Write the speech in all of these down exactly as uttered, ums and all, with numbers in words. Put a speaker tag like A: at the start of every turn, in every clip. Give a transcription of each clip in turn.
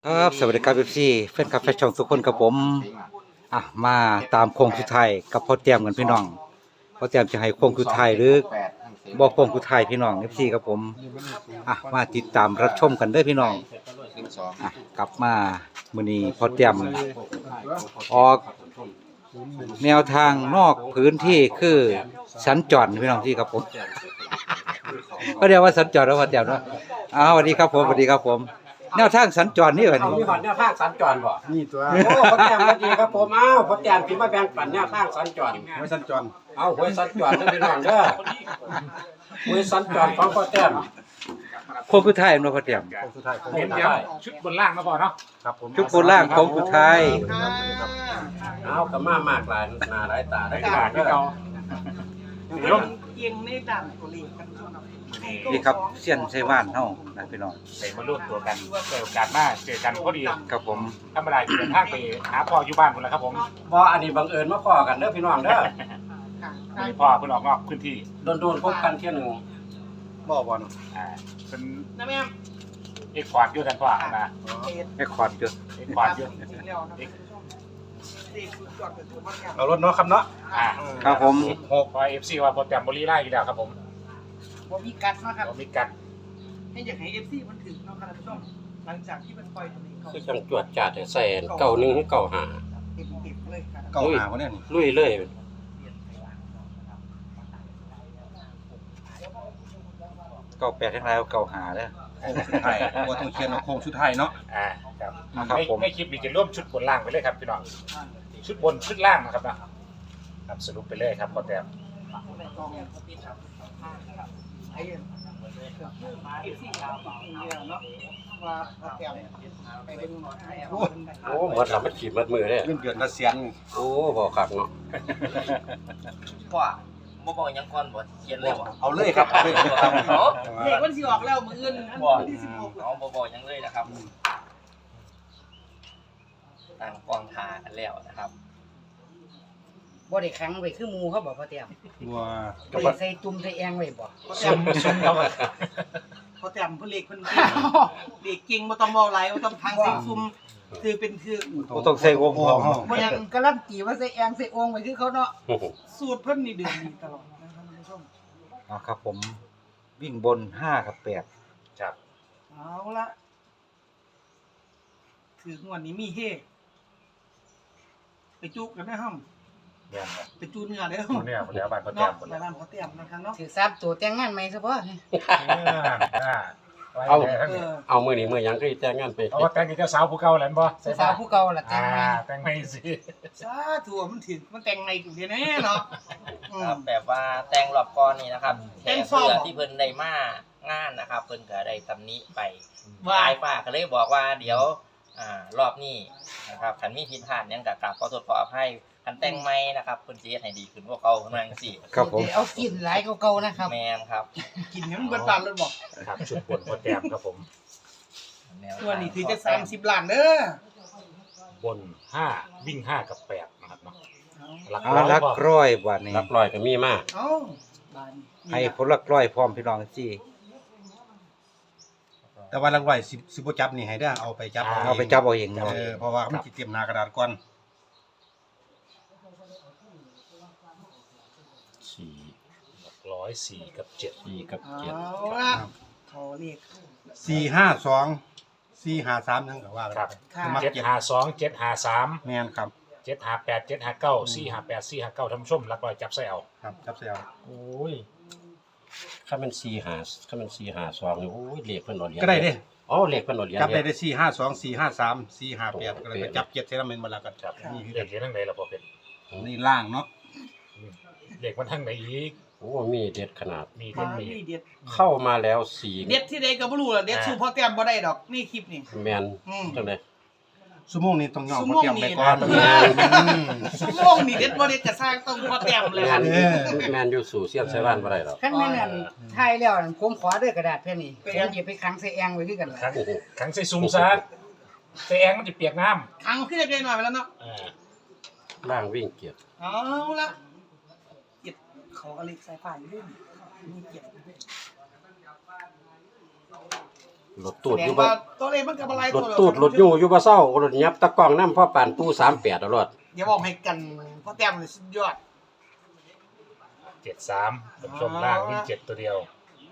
A: ครับสวัสดีครับเอฟซีแฟนคลับแฟนช่องทุกคนครับผมอ่ะมาตามโค้งสุดท้ายกับพ่อเตรียมกันพี่น้องพ่อเตรียมจะให้โค้งสุดท้ายหรือบอกโค้งสุดท้ายพี่น้องเอฟซีครับผมอ่ะมาติดตามรับชมกันเด้อพี่น้องอ่ะกลับมามื้อนี้พ่อเตรียมออกแนวทางนอกพื้นที่คือสัญจรพี่น้องที่ครับผมก็เรียกว่าสัญจรแล้วพ่อเตรียมเนาะอ้าวสวัสดีครับผมสวัสดีครับผมแนวทางสัญจรนี่เหรอ
B: เอา
A: นี่
B: มีหอดแนวทางสัญจรบ่
C: นี่ตัว
B: โอ้พ่อแต้มสวัสดีครับผมอ้าวพ่อแต้มพี่มาแบ่งปันแนวทางสัญจร
C: ไว้สัญจร
B: เอาหวยสัญจรเด้อพี่น้องเด้อหวยสัญจรของพ่อแต้ม
A: โค้งสุดท้ายเนาะพ่อเตรียม
C: โค้งสุดท้ายโค้ง
B: เห็
C: สุ
B: น
C: ด
B: เดี๋
C: ท้าย
B: ยวชุดบนล่างมาบ่เนาะ
C: ครับผม
A: ชุดโบราณโค้งสุดท้าย
B: เอาก็มามากหลายหน้าหลายตาได้
D: ได้
B: กา
D: การ ร
B: เด้
D: ที่
B: อ
D: เรา
B: เดี๋ยว
D: เอียงในด่านตัวเลขกันช่วงนั้น
A: นี่ครับเสี้ยนไชว่านเฮานะพี่น้อง
E: ใส่มาร่วมตัวกันเจอโอกาสหน้าเจอกันพอดี
A: ครับผม
E: ธรรมดาจะเดินทางไปหาพ่ออยู่บ้านคนละครับผม
B: บ่อันนี้บังเอิญมาพ้อกันเด้อพี่น้องเด้อ
E: มีพ่อเพิ่นออกนอกพื้นที่
B: โดนๆพบกันเที่ยหนึง
C: บ่บ่เนาะ
E: อ่าเป็น
D: นะแม่
E: เอกควอดอยู่กันพ่อนะ
A: แค่คอร์ดอยู่
E: เอกควอดอยู่
D: จริงๆแล้วนะเลขสุดยอดเป็นตัวมันเนี่ย
C: เอารถเนาะครับเนาะ
E: อ่า
A: ครับผม
E: หกพอเอฟซีว่าโปรแกรมบริไล่อยู่แล้วครับผม
D: ผมมีกัดนะครับ
E: เรามีกัน
D: ให้อยากให้เอฟซีมันถึงเนาะครับท่านผู้ชมหลังจากที่มันปล่อยตัวนี้เขา
B: คือจังจวดจาดให้ใส่เก้าหนึ่งให้เก้าห้า
D: เต็มเต็มๆเลยครับ
C: เก่าหาคนเนี่ยนี่
B: ลุยเลย
A: เก้าแปดทั้งหลายเก้าหาเด้อ
C: โค้งสุดท้ายบ่ต้องเขียนว่าโค้งสุดท้ายเนาะ
E: อ่าครับ
A: ครับ
E: ไม่
A: ผม
E: ไม่คลิปนี้จะร่วมชุดบนล่างไปเลยครับพี่น้องชุดบนชุดล่างนะครับนะครับสรุปไปเลยครับโปรแกรม
D: ไอ้เอฟซีเราเนาะว่าโปรแกรมไปเป็นหมอให้เอาเป็นแบบ
B: โอ้หมดละมันขีดหมดมือเลย
C: เงินเดือนละแสน
B: โอ้บ่คักเนาะ
F: ว่าบ่บอกหยังก่อนบ่เขียนเลยบ่
C: เอาเลยครับเอาเลยครับ
F: เนาะ
D: เลขวันที่ออกแล้วมื้ออื่นอัน
F: บ่
D: ที่สิบหก
F: เอาบ่บอกหยังเลยนะครับตั้งกองทากันแล้วนะครับ
G: บ่ได้ขังไว้คือหมู่เขาบอกพ่อเตรียม
C: ว่า
G: บ่ได้ใส่ตุ่มใส่แองไว้บ่
D: โปรแกรมโปรแกรมเพิ่นเลขเพิ่นเก่งเลขเก่งบ่ต้องเว้าหลายบ่ต้องทางเสียงซุ่มคือเป็นคือ
A: บ่ต้องใส่วงพร้อม
G: บ่ยังการันตีว่าใส่แองใส่องไว้คือเขาเนาะ
D: สูตรเพิ่นนี่เดือนนี้ตลอดนะครับท่านผู้ชม
A: อ่าครับผมวิ่งบนห้ากับแปด
E: ครับ
D: เอาละถืองวดนี้มีเฮไปจุกกันได้ห้อง
E: เนี่ยครับ
D: ไปจูนเนื้อเด้อ
E: คนเนี่ยคนแล้วบ้านโปรแกร
D: เนาะ
E: มหมด
D: ห
E: แล้
D: ลายว ร้านเขาเตรียมนะครับเนาะ
G: ถือทราบตัวแต่งงานใหม่ซะบ่
E: เอา
D: เออ
B: เอามือนี้มือหยังก็แต่งงานไป
E: เอาว่าแต่งกับเจ้าสาวผู้เก่าแล้วบ่ใช่
G: สา
E: ป่ะ
G: วผู้เก่าล่ะแต่
E: อ่าง
G: ใหม่
E: แต่งไม่สิ
D: สาธุมันถึงมันแต่งในกูเดียวแน่เนาะอื
F: ครั
D: ม
F: บแบบว่าแต่งรอบก่อนนี่นะครับ
D: แต่
F: แค่
D: งซ่อม
F: เพื่อที่เพิ่นได้มางานนะครับ เพิ่นก็ได้ตำหนิไป
D: ว่า
F: ปลายป้าก็เลยบอกว่าเดี๋ยวอ่ารอบนี้นะครับคันมีผิดพลาดหยังก็กราบขอโทษขออภัยคันแต่งใหม่นะครับเพิ่นสิเฮ็ดให้ดีขึ้นกว่าเก่าเพิ่นว่าจังซี่
A: ครับผม
G: เอากินหลายเก่าๆนะครับ
F: แม่นครับ
D: กินให้มันเบิดบานเลยบอก
E: ครับชุดบนโปรแกรมครับผม
F: แนว
D: ตัวนี้ถือจะสามสิบล้านเด้อบ
E: นห้าวิ่งห้ากับแปดนะครับเนาะหลัก
A: เอา
E: ร้อย
A: ลัก
E: บ่
A: ร้อยบาทนี้
B: รับรอยก็มีมาก
D: เอ้าบาน
A: ให้ผลลักร้อยพร้อมพี่น้องจี้
C: แต่ว่าหลักร้อยสิบสิบ่จับนี่ให้ได้อเอาไปจับ
A: เอาไปจับเอาเอง
C: เอ
A: เนาะ
C: อเพราะว่ามันสิเตรียมหน้ากระดาษก่อน
B: สี่
E: หลักร้อยสี่กับเจ็ด
B: สี่กับ
D: เอา
B: เจ็ด
D: ละเขาเรียก
C: สี่ห้าสองสี่ห้าสามนั่นก็ว่ากัน
E: ครับ
D: ค่ะ
C: มัก
E: เจ็ด
C: เจ็ด
E: ห้าสองเจ็ดห้าสาม
C: แม่นครับ
E: เจ็ดห้าแปดเจ็ดห้าเก้าสี่ห้าแปดสี่ห้าเก้าท่านผู้ชมหลักร้อยจับใส่เอา
C: ครับจับเสียว
B: โอ้ยถ้ามันสี่หาถ้ามันสี่หาสองนี่โอ้ยเลขเพิ่นเอาเหรียญ
C: ก็ได้เด้
B: อ๋อเลขเพิ่นเอาเหรียญ
C: จับได้
B: เด้
C: ได้สี่ห้าสองสี่ห้าสามสี่ห้าแปดก็เลยไปจับเจ็ดเท่านั้นเป็นเวลากัน
E: ครับ
C: นี่คือ
E: เด็กเรียนทั้งไหนล่ะพอเป็น
C: นี่ล่างเนาะ
E: เด็กมันทั้งไหนอีก
B: โอ้มีเด็ดขนาด
E: มี
D: มา
E: เด็ดมี
D: นี่เด็ด
B: เข้ามาแล้วสี่
D: เด็ดที่ใดก็บ่รู้ล่ะเด็ดสู้พ่อแต้มบ่ได้ดอกนี่คลิปนี่
B: แมน
D: อืม
B: จังได๋
C: ชั่วโมงนี้ต้องยอม
D: ชั่ว
C: เขา
D: โมง
C: เตรียมไป
D: นี้
C: ก่อน
D: เออชั่วโมงนี่เด็ดบ่เด็ดก็สร้างต้องพ่อแต้มเลย
B: แม
D: ล่ะ
B: น
C: เออ
B: แมนอยู่สู่เสียมใส่บ้านบ่ได้หรอก
G: คันแม่นอั่นทายแล้วนั่นผมขอเด้อกระดาษแผ่นนี้ผมสิไปขังใส่แองไว้คือกันล่ะ
E: ขังขังใส่ซุ่มซะใส่แองมันจะเปียกน้
D: ครั้งขึ้นได้หน่อยไปแล้วเนาะ
E: ำอ่า
B: ล่างวิ่งเกียรติ
D: เอาละเก็บเขาก็เล็กสายฟ้าอยู่ด้วยนี่มีเก็บอยู่ด้วย
B: รถตูด
D: แสด
B: อง ยู่บ่
D: ว่าตัวเลขมันก็บ่หลาย
B: ร
D: ตัว
B: ถ
D: แล้ว
B: ตูดรถอยู่อยู่บ่เศร้ารถยับตะกล้องนำพ่อปานตู้สามแปดตลอด
D: อย่าบอกให้กันเพราะแต้มนี่สุดยอด
E: เจ็ดสามท่านผู้ชมล่างวิ่งเจ็ดตัวเดียว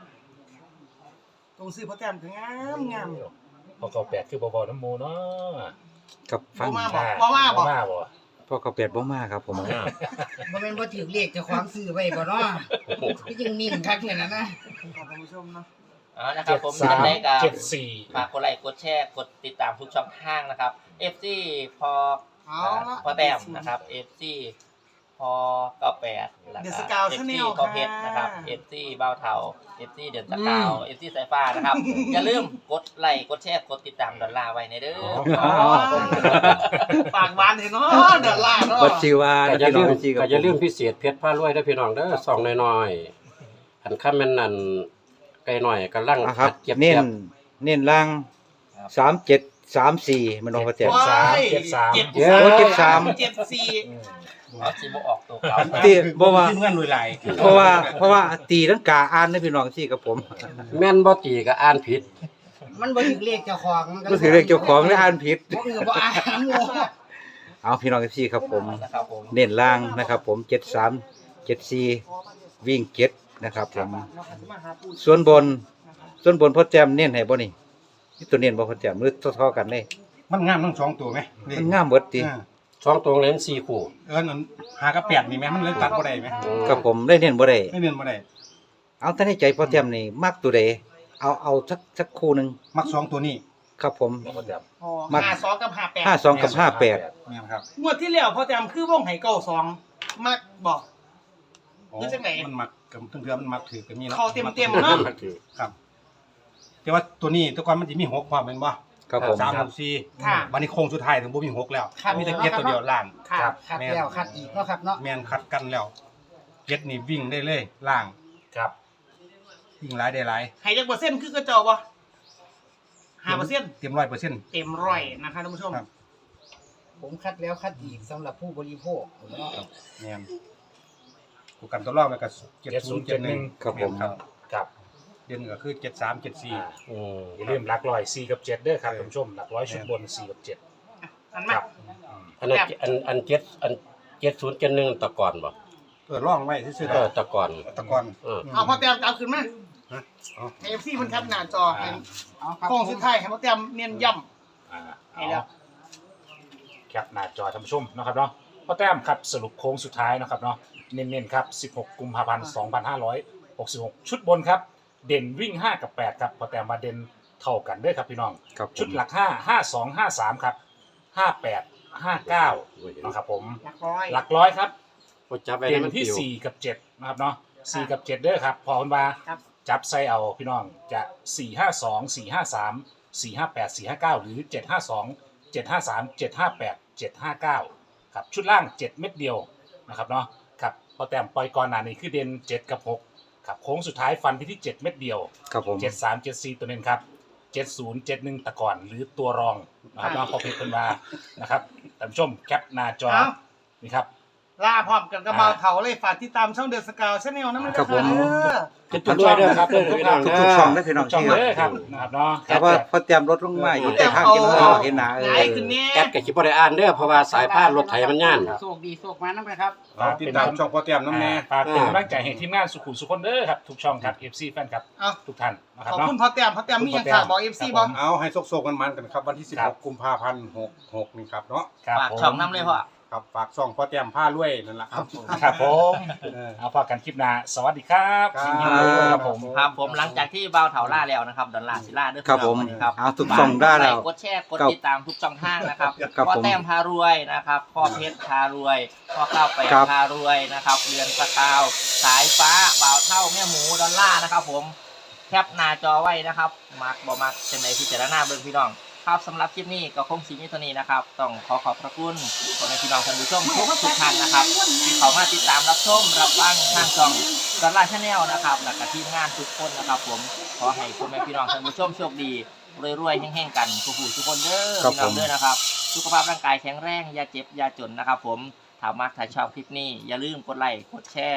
D: ตรงซื้อเพราะแต้มก็งามงาม
E: พอเก้าแปดคือบ่ๆน้ำหมูเนาะ
A: กับฟัง
D: บ่มาบอกบ่มาบอก
E: มาบ่
A: พ่อเขาเป็ดบ่มาครับผม
B: อ่า
G: บ่แม่นบ่ถือเลขเจ้าของซื้อไว้บ่เนาะพี่จึงนิ่งคักเนี่ยนะนะ
D: ขอบคุณผู้ชมเนาะ
F: เอานะครั
E: เจ็
F: บ
E: ด
F: ผม
E: สาม
F: ยังไงกับ
E: เจ็ดสี่
F: ฝากกดไลค์กดแชร์กดติดตามทุกช่องทางนะครับ เอฟ ซี พอ
D: เอาละ
F: พอแต้มนะครับ เอฟ ซี พอเก้าแปดแล้ว
D: เด
F: ก็
D: อะสกาว
F: เอฟ
D: ชาแน
F: ซี
D: ล
F: พอเพชรนะครับ เอฟ ซี เบ้าเทา เอฟ ซี เดือนสกาว เอฟ ซี สายฟ้านะครับ อย่าลืมกดไลค์กดแชร์กดติดตามดอลลาร์ไว้ในเด้อ
D: อ๋อปากหวานเห็นเนาะเดือดร้อนเนาะ
A: บัดชื่อว่า
B: ก็อย่า
A: พี่น้
B: ลื
A: อง
B: ม
A: เอฟซีกับ
B: ก็อย่าลืม
A: ผม
B: พิเศษเพชรพารวยเด้อพี่น้องเด้อซองน้อยๆอันค่ำแม่นนั่นไกลหน่อยกำลัง
A: อ่ะครับ
B: เก็บ
A: เน้น
B: เก็บ
A: เน้นล่างสามเจ็ดสามสี่มันเอาพ่อแต้ม
D: ว้าย
E: เจ็ดสาม
D: เจ็ด
A: เดี๋ยวเจ็ดสาม
D: เจ็ดสี่
F: เอาสิบ่ออกตัวเก่า
A: ตีบ่ว่า
C: ทีมงานรวยหลาย
A: เพราะว่าเพราะว่าตีลังกาอ่านนะพี่น้องที่กับผม
B: แม่นบ่ตีก็อ่านผิด
G: มันบ่ถือเลขเจ้าของมัน
A: ก็ถือเลขเจ้าของและอ่านผิด
G: บ่เออบ่อ่านน้ำโม
A: เอาพี่น้องที่ครับผม
F: นะครับผม
A: เน้นล่างนะครับผมเจ็ดสามเจ็ดสี่วิ่งเจ็ดนะครับผมส่วนบนส่วนบนพ่อแจมเน้นให้บ่นี่นี่ตัวเน้นบ่พ่อแจมมือเท่าๆกันเลย
C: มันงามทั้งสองตัวไหมนี่
A: มันงามเบิดติ
C: อ่า
B: สองตรงเล่นสี่คู่
C: เอิ้นอันหากับแปดนี่ไหมมันเลยตัดบ่ได้ไหม
A: กับผมได้เน้นบ่ได้
C: ไม่เนียนบ่ได้
A: เอาแต่ในใจพ่อแจมนี่มักตัวใดเอาเอาสักสักคู่หนึง
C: มักสองตัวนี้
A: ครับผม
E: พ่อแต้ม
D: อ๋อ
A: มัก
D: ห้าสองกับห้าแปด
A: ห้าสองกับห้าแปด
C: เนี่ยครับ
D: งวดที่แล้วพอแต้มคือวงไห่เก้าสองมักบอก
C: อ๋อ
D: คือจังไหน
C: มันมักกับเพื่อนๆมันมักถือกันนี่แล้ว
D: เข้าเต็มๆเนาะ
C: ครับ แต่ว่าตัวนี้แต่ก่อนมันจะมีหกความเป็นบ่
A: ครับผม
C: สามหกสี่
D: ค่ะ
C: วันนี้โค้งสุดท้ายถึงบ่มีหกแล้ว
D: ครับ
C: มีแต่เจ็ดตัวเดียวล่าง
D: ค่ะ
C: ครับ
G: คัดแล้วคัดอีกเนาะครับเนาะ
C: แมนคัดกันแล้วเจ็ดนี่วิ่งได้เลยล่าง
E: ครับ
C: วิ่งหลายได้หลาย
D: ไห่จักเปอร์เซ็นต์คือกระจอกบ่ห้าเปอร์เซ็นต์
C: เต็มร้อยเปอร์เซ็นต์
D: เต็มร้อยนะคะท่านผู้ชม
C: ครับ
G: ผมคัดแล้วคัดอีกสำหรับผู้บริโภคเนาะ
C: แมนกูกันตัวรอบแล้วก็เจ็ดศูนย์เจ็ดหนึ่ง
A: ครับผม
C: ครับ
E: ครับ
C: เด่นก็คือเจ็ดสามเจ็ดสี่
B: อืม
E: อย่าลืมหลักร้อยสี่กับเจ็ดเด้อครับท่านผู้ชมหลักร้อยชุดบนสี่กับเจ็ด
D: อัน
E: ค
D: มา
E: รับ
B: อันนั้นอันอันเจ็ดอันเจ็ดศูนย์เจ็ดหนึ่งตะก่อนบ่
C: เออร่องไว้ซื่อๆ
B: เออตะก่อน
C: ตะกอน
B: เออ
D: เอาพอแต้มเอาขึ้นมา
C: ฮะเอา
D: ไอเอฟซีมันแคปหน้าจอให้
G: เอาครับ
D: โค้งสุดท้ายให้พอแต้มเน้นย้ำ
E: อ่า
D: ให้แล้ว
E: แคปหน้าจอท่านผู้ชมนะครับเนาะพ่อแต้มครับสรุปโค้งสุดท้ายนะครับเนาะเน้นๆครับสิบหกกุมภาพันธ์สองพันห้าร้อยหกสิบหกชุดบนครับเด่นวิ่งห้ากับแปดครับพ่อแต้มมาเด่นเท่ากันเด้วยครับพี่น้อง
A: ครับผ
E: ชุด
A: ม
E: หลักห้าห้าสองห้าสามครับห้าแปดห้าเก้านะครับผม
D: หลักร้อย
E: หลักร้อยครับ
B: บ่จับไว้
E: เด่
B: ให้
E: น
B: มัน
E: ที่
B: ปิว
E: สี่กับเจ็ดนะครับเนาะสี่กับเจ็ดเด้อครับพอคุณมา
D: ครับ
E: จับใส่เอาพี่น้องจะสี่ห้าสองสี่ห้าสามสี่ห้าแปดสี่ห้าเก้าหรือเจ็ดห้าสองเจ็ดห้าสามเจ็ดห้าแปดเจ็ดห้าเก้าครับชุดล่างเจ็ดเม็ดเดียวนะครับเนาะครับพอแต้มปล่อยก่อนหน้านี้คือเด่นเจ็ดกับหกครับโค้งสุดท้ายฟันไปที่เจ็ดเม็ดเดียว
A: ครับผม
E: เจ็ดสามเจ็ดสี่ตัวหนึ่งครับเจ็ดศูนย์เจ็ดหนึ่งตะก่อนหรือตัวรองนะครับน้องพอเพชรเป็นมานะครับท่านผู้ชมแคปหน้าจอ
D: เอา
E: นี่ครับ
D: ลาพร้อมกันกับเบาเถาเลยฝากติดตามช่องเดอะสกาวชาแนลนะมัน
A: ครับผม
D: เด้อ
B: จะจุดด้วยเด้อครับเด้อพี่น้อง
A: ทุก
B: เด้
A: ทุก
B: อ
A: ช่องได้พี่น้อง
E: ช่อง
A: ที่
E: เลยครับนะครับเนาะ
A: แต่ว่าพอแจมรถลงมาอยู่แต่ข้างกินข้าวเห็นหนาเอ
D: หลาย
A: อ
D: ขึ้นแน่
B: แอดก็สิบ่ได้อ่านเด้อเพราะว่าสายพานรถไถมันย่าน
G: โชคดีโชคมานำครับ
C: ฝากติดตามช่องพ่อแต้มน้ำแน่
E: ฝากเป็นกำลังใจให้ทีมงานสุขุมสุขคนเด้อครับทุกช่องครับ เอฟ ซี แฟนครับ
D: เอา
E: ทุกท่านนะค
D: ข
E: รับ
D: อบ
E: เนาะ
D: คุณพ่อแต้มพ่อแต้มมีหยังฝากบอกเอฟซีบ่
C: เอาให้โซกๆกันมันกันครับวันที่สิบ
E: ครั
C: ห
E: บ
C: กกุมภาพันธ์หกหกนี่ครับเนาะ
E: ครับ
F: ฝาก
E: ผม
F: ช่องน้ำเลยพ่อ
C: ครับฝากช่องพ่อแต้มผ้ารวยนั่นแหละครับ
E: ครับผม
C: เออ
E: เอาพอกันคลิปหน้าสวัสดีครับ
C: ครับ
E: ยินดีด้วยครับผม
F: ครับผมหลังจากที่เบาเถาล่าแล้วนะครับดอลลาร์ซิล่าเด้อ
A: ครับผม
F: วันนี้ครับ
A: เอาทุกช่องได้แล้ว
F: กดแชร์กด
A: ครับ
F: ติดตามทุกช่องทางนะครับ
A: ครับ
F: พ่อ
A: ผม
F: แต้มพารวยนะครับพ่อเพชรพารวยพ่อข้าวไป
A: ครับ
F: พารวยนะครับเรือนสกาวสายฟ้าบ่าวเท่าแม่หมูดอลลาร์นะครับผมแคปหน้าจอไว้นะครับมักบ่มักเป็นในพิจารณาเบิ่งพี่น้องครับสำหรับคลิปนี้ก็คงสีมิตรนี้นะครับต้องขอขอบพระคุณพ่อแม่พี่น้องท่านผู้ชมทุกทุกท่านนะครับที่เขามาติดตามรับชมรับฟังทางช่องดอลลาร์ชาแนลนะครับและก็ทีมงานทุกคนนะครับผมขอให้พ่อแม่พี่น้องท่านผู้ชมโชคดีรวยๆแห่งๆกันทุกผู้ทุกคนเด้อ
A: ครับ
F: พี่น้อง
A: ผม
F: เด้อนะครับสุขภาพร่างกายแข็งแรงอย่าเจ็บอย่าจนนะครับผมถ้ามักถ้าชอบคลิปนี้อย่าลืมกดไลค์กดแชร์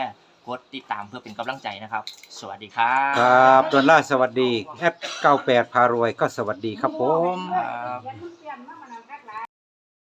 F: กดติดตามเพื่อเป็นกำลังใจนะครับ สวัสดีครับ
A: ครับดอลลาร์สวัสดีแอดเก้าแปดพารวยก็สวัสดีครับผม
F: ครับ